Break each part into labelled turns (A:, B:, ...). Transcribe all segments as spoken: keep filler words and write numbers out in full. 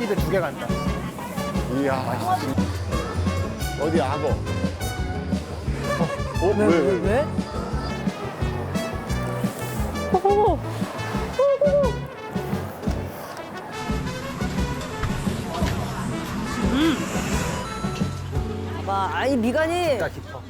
A: 한 입에 두 개 간다.
B: 이야. 어디 악어? 어, 어,
C: 왜,
B: 왜,
C: 왜, 왜?
D: 오,
C: 봐, 아니 미간이
A: 진짜 깊어.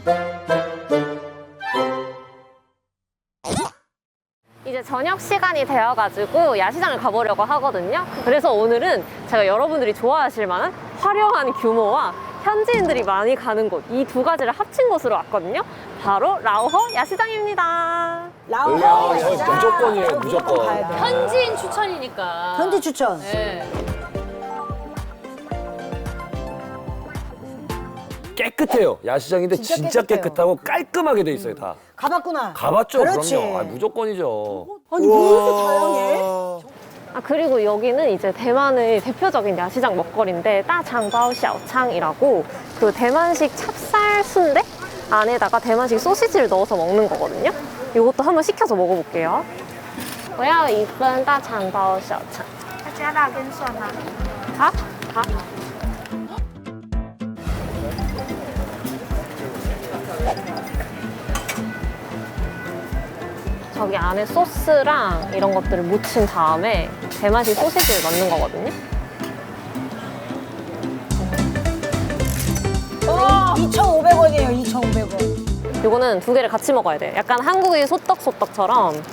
D: 이제 저녁 시간이 되어가지고 야시장을 가보려고 하거든요. 그래서 오늘은 제가 여러분들이 좋아하실 만한 화려한 규모와 현지인들이 많이 가는 곳, 이 두 가지를 합친 곳으로 왔거든요. 바로 라오허 야시장입니다.
C: 라오허
B: 라오허
C: 야시장.
B: 야시장.
E: 무조건이에요, 무조건.
C: 가야 돼.
F: 현지인 추천이니까.
C: 현지 추천.
F: 네.
E: 깨끗해요. 야시장인데
C: 진짜
E: 진짜,
C: 깨끗해요.
E: 깨끗하고 깔끔하게 돼 있어요, 다.
C: 가봤구나.
E: 가봤죠,
C: 그렇지.
E: 그럼요. 아, 무조건이죠.
C: 아니 왜 이렇게 다양해?
D: 아, 그리고 여기는 이제 대만의 대표적인 야시장 먹거리인데 따장바오 샤오창이라고 그 대만식 찹쌀 순대 안에다가 대만식 소시지를 넣어서 먹는 거거든요. 이것도 한번 시켜서 먹어볼게요. 我要一份大肠包小肠。加辣跟蒜吗？好，好。 저기 안에 소스랑 이런 것들을 묻힌 다음에 대만식 소시지를 넣는 거거든요.
C: 이천오백 원이에요, 이천오백 원.
D: 이거는 두 개를 같이 먹어야 돼. 약간 한국의 소떡소떡처럼.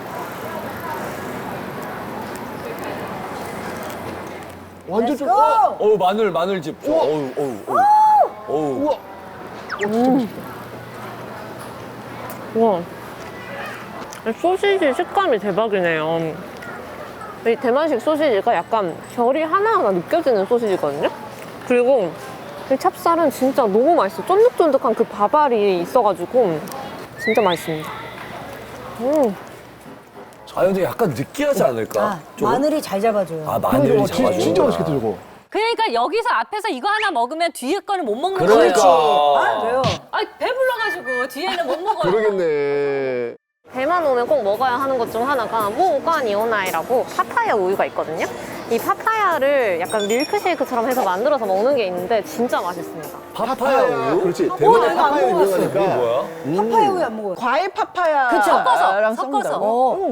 B: 완전 좀.
C: 고!
B: 어,
E: 어우, 마늘, 마늘즙. 어우, 어우, 어우. 어우.
B: 우와.
D: 우와. 소시지 식감이 대박이네요. 이 대만식 소시지가 약간 결이 하나하나 느껴지는 소시지거든요. 그리고 이 찹쌀은 진짜 너무 맛있어. 쫀득쫀득한 그 밥알이 있어가지고 진짜 맛있습니다. 음.
E: 아, 근데 약간 느끼하지 않을까?
C: 아,
E: 조금?
C: 마늘이 잘 잡아줘요.
E: 아, 마늘이
B: 어, 진-
E: 잡아주는구나.
B: 진짜 맛있겠다, 저거.
F: 그러니까 여기서 앞에서 이거 하나 먹으면 뒤에 거는 못 먹는
E: 그러니까.
F: 거예요.
C: 아, 왜요?
F: 아, 배불러가지고 뒤에는 못 먹어요.
B: 그러겠네.
D: 대만 오면 꼭 먹어야 하는 것 중 하나가 모과니오나이라고 파파야 우유가 있거든요. 이 파파야를 약간 밀크쉐이크처럼 해서 만들어서 먹는 게 있는데 진짜 맛있습니다.
E: 파파야 우유?
B: 그렇지.
C: 어,
B: 대만에
C: 내가 안
B: 파파야
C: 먹어봤어.
E: 이게
B: 유명하니까.
E: 뭐야?
C: 파파야 우유 안 먹어요.
G: 과일 파파야.
C: 그쵸.
F: 섞어서,
G: 섞는다고?
F: 섞어서.
C: 어.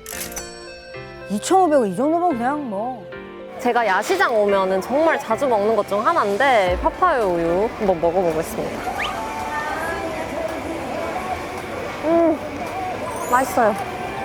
C: 이천오백 원 이 정도면 그냥 뭐.
D: 제가 야시장 오면은 정말 자주 먹는 것 중 하나인데 파파야 우유 한번 먹어보겠습니다. 음, 맛있어요.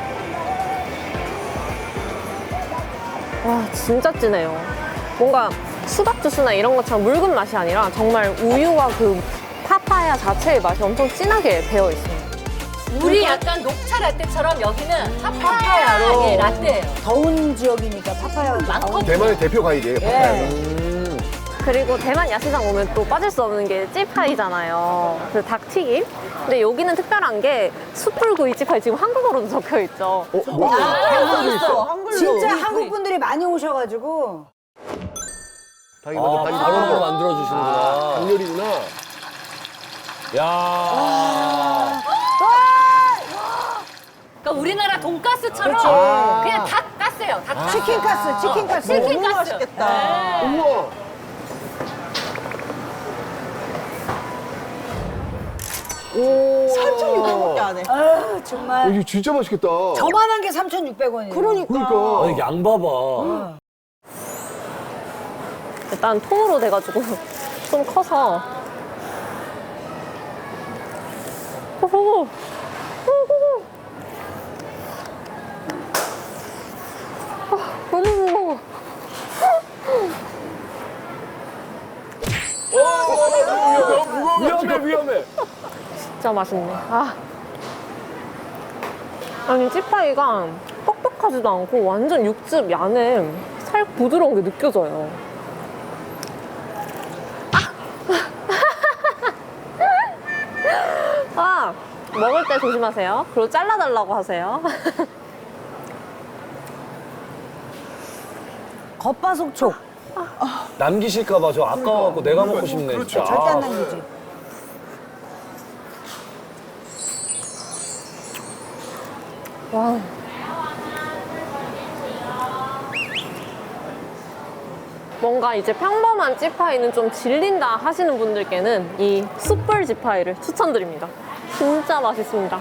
D: 와, 진짜 진해요. 뭔가 수박 주스나 이런 것처럼 묽은 맛이 아니라 정말 우유와 그 파파야 자체의 맛이 엄청 진하게 배어 있어요.
F: 우리 약간 녹차 라떼처럼 여기는 파파야
C: 파파야로.
F: 예, 라떼예요.
C: 더운 지역이니까 파파야 우유.
F: 많거든요.
B: 대만의 대표 과일이에요, 파파야는.
E: 음.
D: 그리고 대만 야시장 오면 또 빠질 수 없는 게 찌파이잖아요. 그 닭튀김. 근데 여기는 특별한 게 숯불구이 찌파이 지금 한국어로도 적혀 있죠.
B: 어, 뭐?
G: 한글도 있어. 한글로.
C: 진짜 한국 분들이 많이 오셔가지고.
B: 닭이
E: 아,
B: 먼저 닭이
E: 바로
B: 먼저.
E: 만들어주시는구나.
B: 닭요리구나.
E: 야.
F: 그러니까 우리나라 돈가스처럼
C: 그치.
F: 그냥 닭 가스예요. 닭
C: 치킨 가스, 치킨 가스.
F: 치킨
G: 너무
F: 가스.
G: 맛있겠다.
F: 네.
B: 우와. 오.
G: 삼천육백 원밖에 안 해.
C: 아,
B: 어,
C: 정말.
B: 이거 진짜 맛있겠다.
C: 저만한 게 삼천육백 원이에요.
G: 그러니까.
B: 그러니까.
E: 아니, 양 봐봐.
D: 일단 통으로 돼가지고 좀 커서. 호호. 호호. 아, 너무 무거워.
E: 위험해, 위험해.
D: 진짜 맛있네. 아. 아니, 찌파이가 뻑뻑하지도 않고 완전 육즙 안에 살 부드러운 게 느껴져요. 아! 아, 먹을 때 조심하세요. 그리고 잘라달라고 하세요.
C: 겉바속촉.
E: 남기실까봐 저 아까워갖고 내가 먹고 싶네, 진짜.
C: 절대 안
E: 아.
C: 남기지.
D: 와. 뭔가 이제 평범한 찌파이는 좀 질린다 하시는 분들께는 이 숯불 찌파이를 추천드립니다. 진짜 맛있습니다.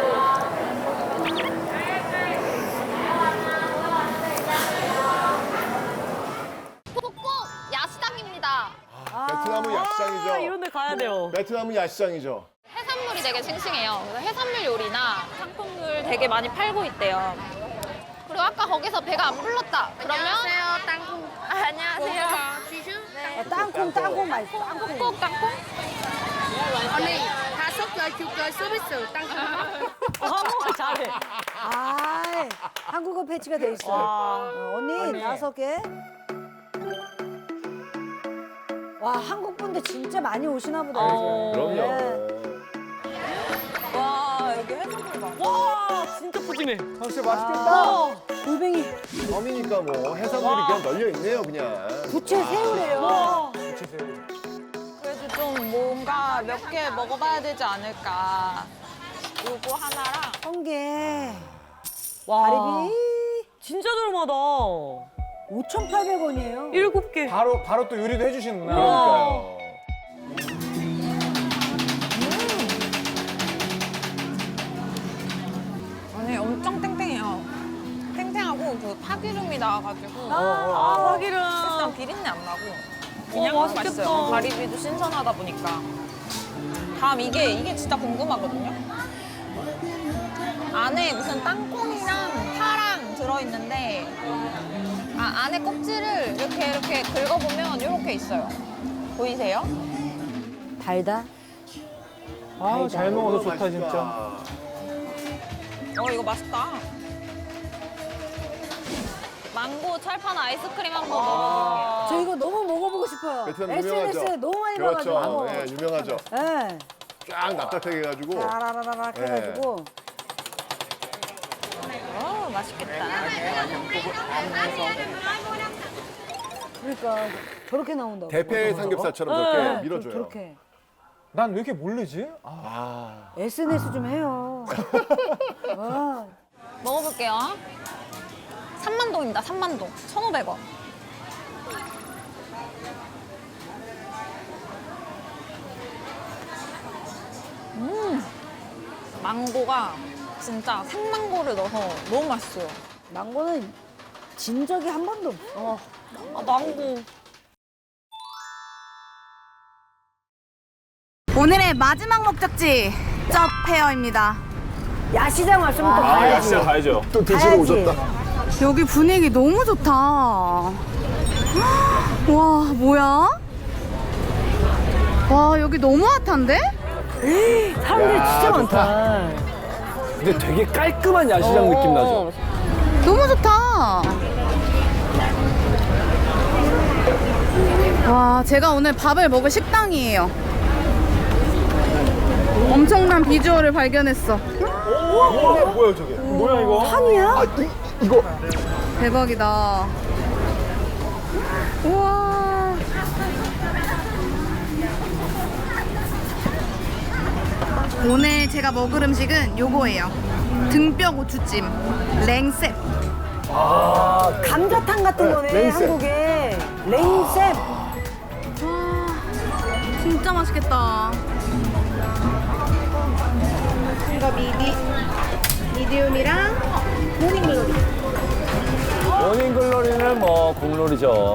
A: 북곡 야시장입니다.
B: 베트남은 야시장이죠.
F: 이런 데 가야 돼요.
B: 베트남은 야시장이죠.
A: 해산물이 되게 싱싱해요. 그래서 해산물 요리나 상품들 되게 많이 팔고 있대요. 그리고 아까 거기서 배가 안 불렀다. 그러면 안녕하세요, 땅콩. 안녕하세요.
C: 아, 땅콩, 땅콩 맛있어. 땅콩.
A: 북곡 땅콩?
F: 한국말 잘해.
C: 아, 한국어 패치가 돼 있어. 어, 언니, 다섯 개. 와, 한국 분들 진짜 많이 오시나 보다.
F: 어.
C: 요즘. 네.
B: 그럼요.
G: 와, 여기 해산물 봐.
F: 와, 진짜 푸짐해.
B: 진짜 맛있겠다.
C: 골뱅이,
B: 섬이니까 뭐 해산물이 그냥 널려 있네요, 그냥.
C: 부채 새우래요.
G: 그래도 좀 뭔가 몇 개 먹어봐야 되지 않을까. 요거 하나랑.
C: 성게,
F: 와,
C: 가리비
F: 진짜 저렴하다.
C: 오천팔백 원이에요.
F: 일곱 개.
H: 바로 바로 또 요리도 해주시는구나.
B: 그러니까요.
G: 아니, 엄청 탱탱해요. 탱탱하고 그 파기름이 나와가지고.
F: 아, 파기름.
G: 일단 비린내 안 나고. 그냥
F: 어, 맛있겠다.
G: 맛있어요. 가리비도 신선하다 보니까. 다음 이게, 이게 진짜 궁금하거든요. 안에 무슨 땅콩이랑 파랑 들어있는데, 아, 안에 껍질을 이렇게 이렇게 긁어보면 이렇게 있어요. 보이세요?
C: 달다.
H: 아, 잘 먹어서 좋다
B: 맛있다.
H: 진짜.
G: 어, 이거 맛있다. 망고 철판 아이스크림 한번 먹어볼게요.
C: 저 이거 너무 먹어보고 싶어요.
B: 베트남
C: 에스엔에스에
B: 유명하죠.
C: 너무 많이
B: 그렇죠.
C: 봐가지고.
B: 예, 유명하죠.
C: 네.
B: 쫙 납작하게 해가지고.
C: 라라라라 해가지고.
G: 어, 맛있겠다.
C: 그러니까 저렇게 나온다고.
B: 대패 삼겹살처럼
C: 네,
B: 저렇게
C: 저-
B: 밀어줘요.
C: 저렇게.
H: 난 왜 이렇게 모르지? 아,
B: 아,
C: 에스엔에스 좀 해요. 와,
G: 먹어볼게요. 삼만동입니다, 삼만동. 천오백 원. 음, 망고가 진짜 생망고를 넣어서 너무 맛있어요.
C: 망고는 진 적이 한 번도 없어.
G: 아, 망고.
I: 오늘의 마지막 목적지 쩝페어입니다.
C: 야시장 왔으면 또
B: 아,
C: 가야지.
B: 야시장
E: 가야죠.
B: 또 드시러
C: 가야지.
B: 오셨다.
I: 여기 분위기 너무 좋다. 와, 뭐야? 와, 여기 너무 핫한데?
C: 사람들이
B: 야,
C: 진짜
B: 좋다.
C: 많다.
E: 근데 되게 깔끔한 야시장 느낌 나죠?
I: 너무 좋다. 와, 제가 오늘 밥을 먹을 식당이에요. 엄청난 비주얼을 발견했어.
B: 뭐야, 뭐야 저게?
H: 뭐야 이거?
C: 산이야?
B: 아, 이, 이거.
I: 대박이다. 우와. 오늘 제가 먹을 음식은 요거예요. 등뼈 고추찜, 랭셉.
C: 감자탕 같은
B: 네,
C: 거네,
B: 랭쌤.
C: 한국에. 랭쌤.
I: 와, 진짜 맛있겠다. 이거 미디, 미디움이랑 모닝글로리.
E: 모닝글로리는 뭐 국룰이죠.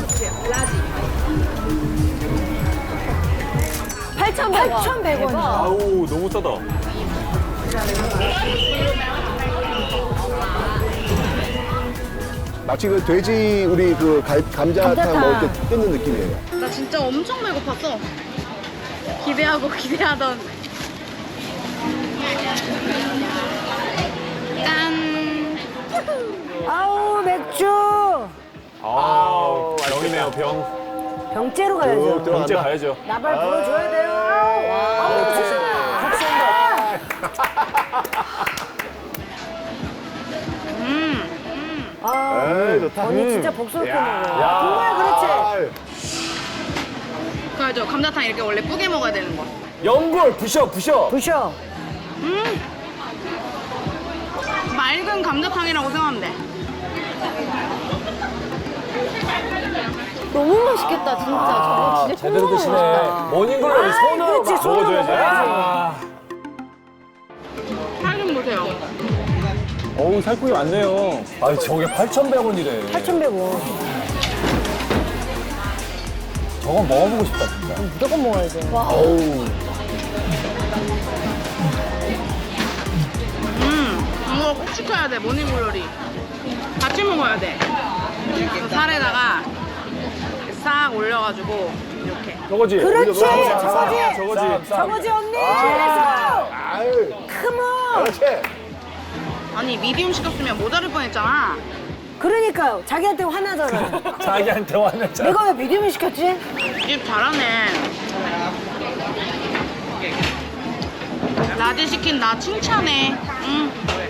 D: 팔천백 원.
C: 팔천백 원이야.
E: 아우 너무 싸다.
B: 마치 그 돼지 우리 그 갈- 감자탕
C: 감자탕.
B: 먹을 때 뜯는 느낌이에요.
I: 나 진짜 엄청 배고팠어. 기대하고 기대하던. 짠.
C: 아우, 맥주.
E: 아 병이네요 병.
C: 병째로
B: 쭉
C: 가야죠.
E: 병째
B: 들어간다.
E: 가야죠.
C: 나발 불어줘야 돼요. 아우, 아,
B: 에이, 좋다.
C: 언니 진짜 복스럽게
B: 야.
C: 먹어요. 정말 그렇지.
B: 아유.
I: 그래죠. 감자탕 이렇게 원래 뿌게 먹어야 되는 거.
E: 연골 부셔 부셔.
C: 부셔.
I: 맑은 감자탕이라고 생각하면 돼. 맛있겠다 진짜.
E: 아,
I: 저거 진짜
E: 제대로 드시네. 모닝글로리 손으로
C: 그렇지,
E: 막
C: 손으로
E: 먹어줘야지. 아.
I: 살좀 보세요.
H: 어우, 살코기 많네요.
E: 아니, 저게 팔천백 원이래.
C: 팔천백 원.
E: 저거 먹어보고 싶다, 진짜.
C: 무조건 먹어야 돼.
E: 어우.
I: 음, 이거 꼭 시켜야 돼. 모닝글로리. 같이 먹어야 돼. 이렇게 살에다가 싹 올려가지고 이렇게.
H: 저거지?
C: 그렇지,
H: 저거지?
C: 저거지.
H: 저거지?
C: 저거지 언니. 잘했어.
B: 아유,
C: 컴온.
B: 그렇지.
I: 아니 미디움 시켰으면 모자랄 뻔했잖아.
C: 그러니까요. 자기한테 화나잖아.
E: 자기한테 화냈잖아.
C: 내가 왜 미디움을 시켰지?
I: 이 잘하네. 라지 시킨 나 칭찬해. 응.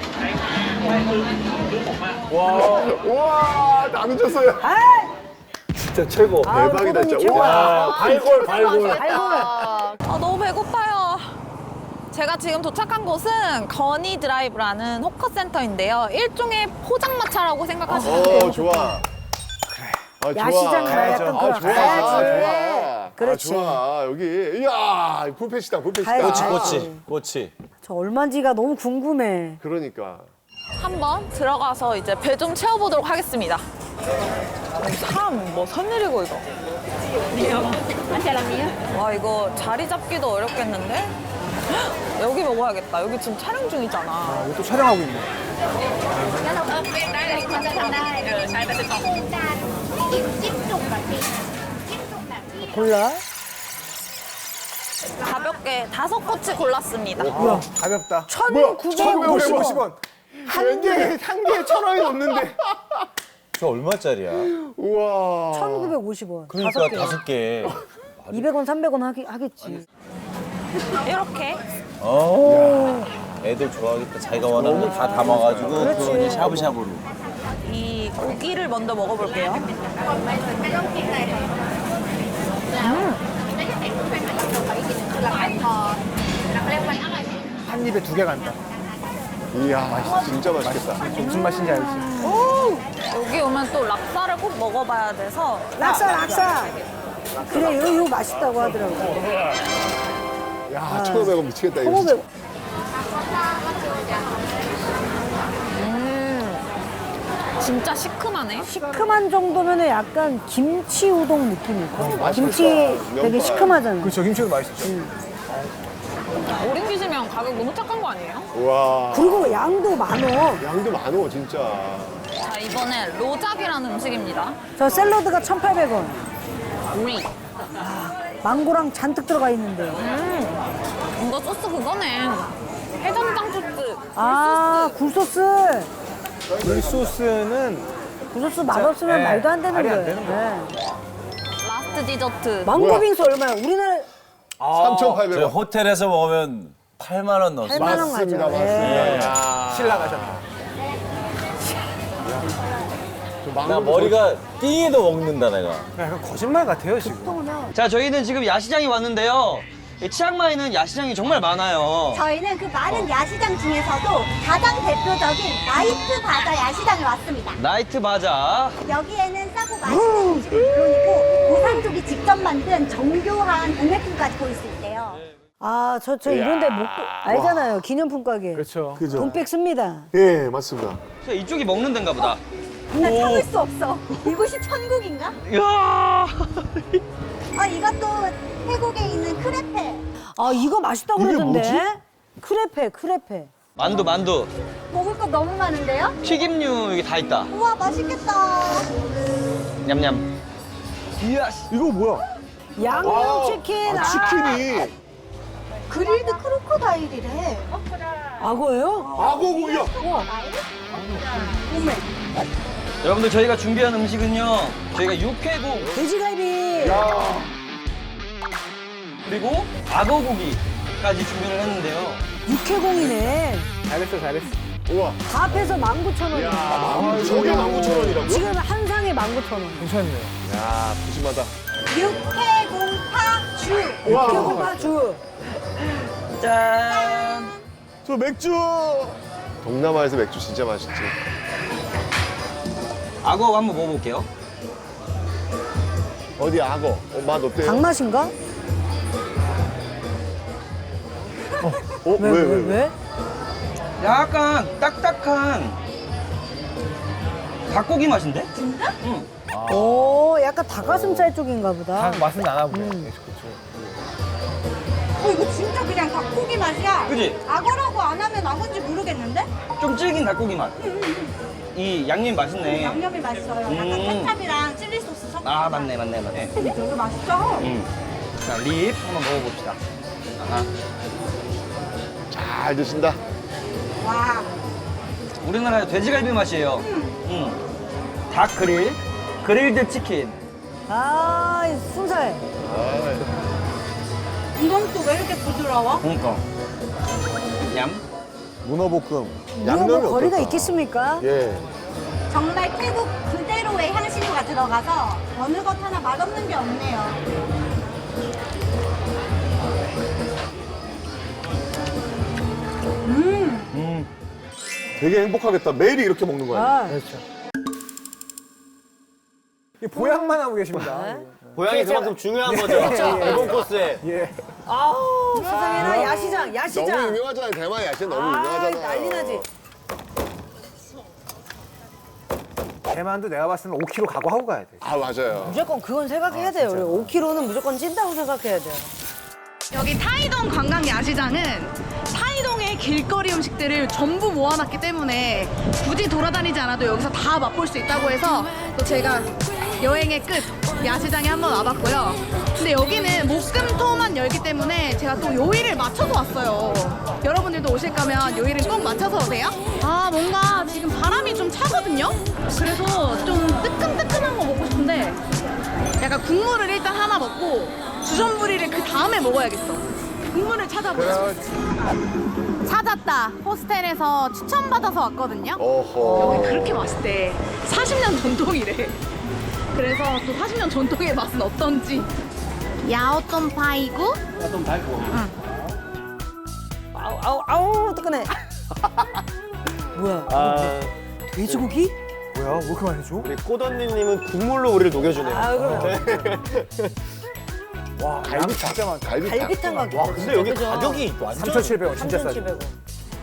B: 와, 와, 남으셨어요.
C: 아,
E: 진짜 최고.
B: 대박이다,
C: 호동이
B: 진짜.
C: 최고야.
B: 와.
E: 야, 발골, 발골.
C: 아이고.
G: 아, 너무 배고파요. 제가 지금 도착한 곳은 건이 드라이브라는 호커센터인데요. 일종의 포장마차라고 생각하시면 돼요.
B: 어, 좋아. 그래. 아, 좋아.
C: 야시장 가야 약간
B: 아,
C: 그거
B: 좋아.
C: 가야지.
B: 좋아.
C: 그렇지.
B: 아, 좋아. 여기. 이야, 뷔페시다, 뷔페시다.
C: 가야지.
E: 꼬치, 꼬치.
C: 저 얼마인지가 너무 궁금해.
B: 그러니까.
G: 한번 들어가서 이제 배 좀 채워보도록 하겠습니다. 사람 뭐 선일이고 이거. 와 이거 자리 잡기도 어렵겠는데? 헉, 여기 먹어야겠다. 여기 지금 촬영 중이잖아.
H: 이거 또 촬영하고 있네.
C: 골라.
G: 가볍게 다섯 꼬치 골랐습니다.
B: 뭐야? 가볍다.
C: 천구백오십
B: 원. 한 개에, 한 개에 천 원이 넘는데.
E: 저 얼마짜리야?
B: 우와.
C: 천구백오십 원.
E: 그러니까
C: 다섯 개.
E: 다섯 개.
C: 이백 원, 삼백 원 하기, 하겠지.
G: 이렇게
E: 어. 애들 좋아하겠다. 자기가 원하는 거 다 담아가지고
C: 그렇지.
E: 그거는 샤브샤브로.
G: 이 고기를 먼저 먹어볼게요.
H: 한 입에 두 개 간다.
B: 이야, 진짜 맛있겠다.
H: 무슨 맛인지 알지?
G: 여기 오면 또 락사를 꼭 먹어봐야 돼서
C: 락사, 락사. 그래, 이거, 이거 맛있다고 하더라고.
B: 야, 천오백 원 미치겠다, 이거.
C: 천오백 원.
G: 진짜 시큼하네.
C: 시큼한 정도면 약간 김치 우동 느낌일까?
B: 맛있겠다.
C: 김치 되게
B: 명품.
C: 시큼하잖아.
H: 그렇죠. 김치도 맛있죠.
G: 오렌 기시면 가격 너무 착한 거 아니에요?
B: 우와.
C: 그리고 양도 많어.
B: 양도 많어, 진짜.
G: 자 이번에 로잡이라는 음식입니다.
C: 저 샐러드가 천팔백 원.
G: 우리
C: 망고랑 잔뜩 들어가 있는데.
G: 음, 이거 소스 그거네. 해장장 소스.
C: 아, 굴소스.
H: 이 소스는
C: 굴소스 맛없으면
H: 네,
C: 말도 안 되는
H: 말이 안
C: 거예요.
H: 되는
C: 네.
G: 라스트 디저트.
C: 망고 빙수 얼마야? 우리나라
B: 삼천팔백
E: 저희
B: 원.
E: 호텔에서 먹으면 팔만 원 넣었어요.
C: 팔만 원
B: 맞습니다,
C: 가죠.
B: 맞습니다.
C: 네.
B: 야.
H: 신라 가셨다.
E: 나 머리가 띵해도 먹는다 내가.
H: 약간 거짓말 같아요, 지금.
J: 자, 저희는 지금 야시장에 왔는데요. 이 치앙마이는 야시장이 정말 많아요.
K: 저희는 그 많은 야시장 중에서도 가장 대표적인 나이트 바자 야시장에 왔습니다.
J: 나이트 바자.
K: 여기에는 싸고 맛있는 음식은 물론이고 고산족이 직접 만든 정교한 공예품까지 볼 수 있대요.
C: 아, 저, 저 이런데 못, 알잖아요. 기념품 가게.
H: 그렇죠.
B: 그죠.
C: 돈백 씁니다.
B: 예, 맞습니다.
J: 이쪽이 먹는 데인가 보다.
K: 나 참을 수 없어. 이곳이 천국인가?
J: 이야.
K: 아, 이것도 태국에 있는 크레페.
C: 아, 이거 맛있다고
B: 이게
C: 그러던데. 크레페, 크레페.
J: 만두, 만두.
K: 먹을 거 너무 많은데요?
J: 튀김류 여기 다 있다.
K: 우와, 맛있겠다.
J: 냠냠. 이야.
B: 이거 뭐야?
C: 양념치킨.
B: 아, 치킨이.
K: 그릴드 크로커다일이래.
C: 악어예요?
B: 악어고기야.
J: 여러분들 저희가 준비한 음식은요. 저희가 육회고
C: 돼지갈비.
B: 야.
J: 그리고 악어고기까지 준비를 했는데요.
C: 육회공이네.
H: 잘했어, 잘했어.
B: 우와.
C: 다 합해서 만 구천 원이야.
B: 아, 저게 만 구천 원이라고요?
C: 지금 한 상에 만 구천 원.
H: 괜찮네요.
B: 야, 푸짐하다.
K: 육회공파주.
B: 우와.
C: 육회공파주.
J: 짠.
B: 저 맥주. 동남아에서 맥주 진짜 맛있지.
J: 악어 한번 먹어볼게요.
B: 어디 악어? 어, 맛 어때요?
C: 닭맛인가?
B: 어, 왜, 왜, 왜?
C: 왜?
J: 약간 딱딱한 닭고기 맛인데?
C: 오, 약간 닭가슴살 쪽인가 보다.
H: 닭 맛은 나나 보네.
C: 음.
K: 어, 이거 진짜 그냥 닭고기 맛이야.
J: 그지?
K: 악어라고 안 하면 악어인지 모르겠는데?
J: 좀 질긴 닭고기 맛. 이 양념 맛있네.
K: 양념이 맛있어요. 약간
J: 음.
K: 케찹이랑 칠리 소스 섞어.
J: 아 맞네 맞네 맞네.
K: 되게 맛있죠?
J: 음. 자, 립 한번 먹어봅시다. 아,
B: 잘 드신다.
K: 와.
J: 우리나라의 돼지갈비 맛이에요. 음. 닭 그릴, 그릴드 치킨.
C: 아, 이 순살.
K: 이건 또 왜 이렇게 부드러워?
J: 그러니까. 얌.
B: 문어볶음.
C: 이거
B: 양념이
C: 뭐 거리가
B: 어떨까?
C: 있겠습니까?
B: 예.
K: 정말 태국 그대로의 향신료가 들어가서 어느 것 하나 맛없는 게 없네요. 음.
B: 되게 행복하겠다. 매일 이렇게 먹는 거야.
C: 아,
H: 이 보양만 하고 계십니다.
E: 고양이 그만큼 중요한 거죠. 일본 코스에.
H: 예.
C: 아우, 세상에나 야시장, 야시장.
B: 너무 유명하잖아요. 대만 야채 너무 유명하잖아요.
C: 난리 나지.
H: 대만도 내가 봤을 때는 오 킬로그램 각오하고 가야 돼.
B: 아, 맞아요.
C: 무조건 그건 생각해야 돼요. 우리 오 킬로그램는 무조건 찐다고 생각해야 돼요.
I: 여기 타이동 관광 야시장은 타이동의 길거리 음식들을 전부 모아놨기 때문에 굳이 돌아다니지 않아도 여기서 다 맛볼 수 있다고 해서 또 제가 여행의 끝 야시장에 한번 와봤고요. 근데 여기는 목금토만 열기 때문에 제가 또 요일을 맞춰서 왔어요. 여러분들도 오실 거면 요일은 꼭 맞춰서 오세요. 아 뭔가 지금 바람이 좀 차거든요. 그래서 좀 뜨끈뜨끈한 거 먹고 싶은데 약간 국물을 일단 하나 먹고 주전부리를 그 다음에 먹어야겠어. 국물을 찾아보자. 찾았다. 호스텔에서 추천받아서 왔거든요.
B: 어허.
I: 여기 그렇게 맛있대. 사십 년 전통이래. 그래서 또 사십 년 전통의 맛은 어떤지. 야오똥 파이구?
J: 좀 달고.
C: 아우, 아우, 아우, 뜨끈해. 뭐야?
E: 아,
C: 돼지고기?
H: 뭐야? 왜 이렇게 많이 줘?
E: 우리 꼬던니님은 국물로 우리를 녹여주네요.
C: 아, 그럼.
H: 와, 갈비 진짜 많다.
B: 갈비탕.
C: 갈비탕 가게.
E: 와, 근데 여기 가격이 완전.
H: 삼천칠백 원 진짜 싸죠.
C: 삼천칠백 원.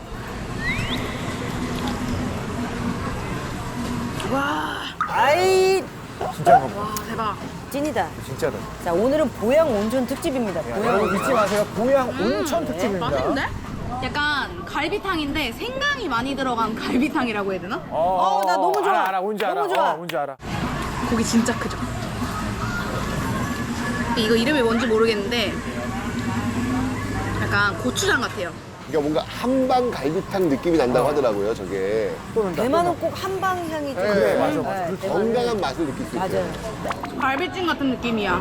C: 아이,
H: 진짜 먹어.
I: 와 대박.
C: 찐이다.
H: 진짜다.
C: 자, 오늘은 보양 온천 특집입니다. 보양
H: 여러분
C: 온천.
H: 잊지 마세요. 보양 온천 특집입니다.
I: 맛있는데? 약간 갈비탕인데 생강이 많이 들어간 갈비탕이라고 해야 되나?
H: 어,
C: 나 너무 좋아.
H: 알아, 알아, 뭔지 알아.
C: 너무 좋아.
H: 어, 뭔지 알아.
I: 고기 진짜 크죠? 이거 이름이 뭔지 모르겠는데 약간 고추장 같아요.
B: 그러니까 뭔가 한방 갈비탕 느낌이 난다고 하더라고요, 저게.
C: 대만은 꼭 한방 향이 좀.
B: 네,
H: 맞아, 맞아.
C: 네, 대만은-
B: 건강한 맛을 느낄 수 있어요.
C: 맞아요.
I: 갈비찜 같은 느낌이야.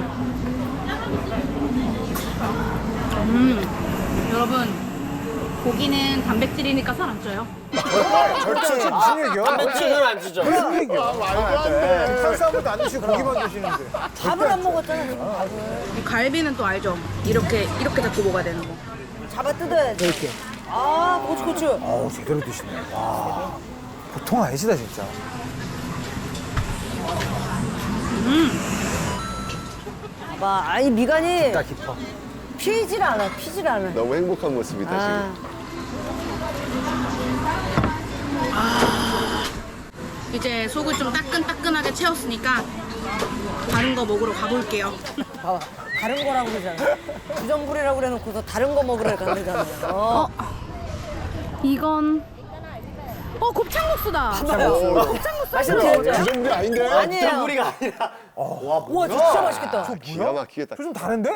I: 음, 여러분 고기는 단백질이니까 살 안 쪄요.
H: 절대 무슨 얘기야?
E: 단백질은 안 주죠.
H: 무슨 얘기야?
B: 아, 말도 안 돼.
H: 탄수화물도 안 드시고 고기만 드시는데.
C: 밥을 안 먹었잖아, 지금 밥을.
I: 이 갈비는 또 알죠? 이렇게 이렇게 잡고 먹어야 되는 거.
C: 잡아 뜯어야 돼.
H: 이렇게.
C: 아, 고추, 고추.
H: 어우, 제대로 드시네. 와. 보통 아니시다, 진짜.
C: 봐봐, 아이 미간이
H: 딱 깊어.
C: 피질 않아, 피질 않아.
B: 너무 행복한 모습이다,
C: 아,
B: 지금.
I: 이제 속을 좀 따끈따끈하게 채웠으니까 다른 거 먹으러 가볼게요.
C: 봐봐. 다른 거라고 그러잖아. 주전부리라고 그래놓고서 다른 거 먹으러 간다잖아요. 어.
I: 이건 어 곱창국수다.
C: 봐봐요. 맛있죠?
B: 주전부리 아닌데?
C: 아니에요.
E: 우리가 아니라. 와,
C: 우와, 진짜 맛있겠다.
B: 기가 막히겠다.
H: 좀 다른데?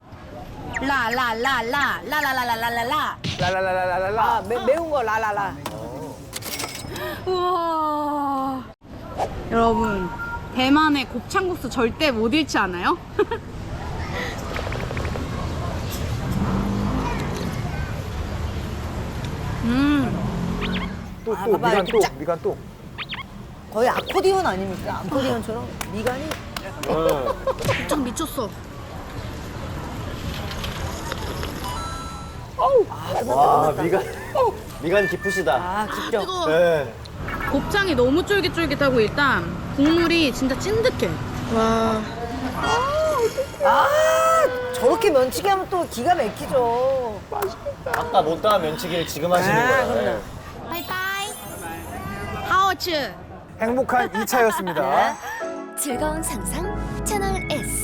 K: 라라라라 라라라라라라.
H: 라라라라라라.
C: 아, 매, 매운 거 라라라.
I: 우와. 여러분 대만의 곱창국수 절대 못 잃지 않아요? 음.
H: 또,
C: 아,
H: 또,
C: 봐봐,
H: 미간
C: 이렇게
H: 또,
C: 쫙.
H: 미간 또.
C: 거의 아코디언 아닙니까? 아코디언처럼 미간이.
I: 곱창 미쳤어.
E: 와, 미간. 미간 깊으시다.
C: 아, 깊죠?
I: 뜨거워.
E: 네.
I: 곱창이 너무 쫄깃쫄깃하고 일단 국물이 진짜 찐득해. 와.
C: 아, 저렇게 면치기 하면 또 기가 막히죠.
E: 아까 못다한 면치기를 지금 하시는
C: 아,
E: 거예요.
C: 그럼요.
I: 바이바이. 하오츠.
H: 행복한 이 차였습니다.
L: 즐거운 상상 채널 S.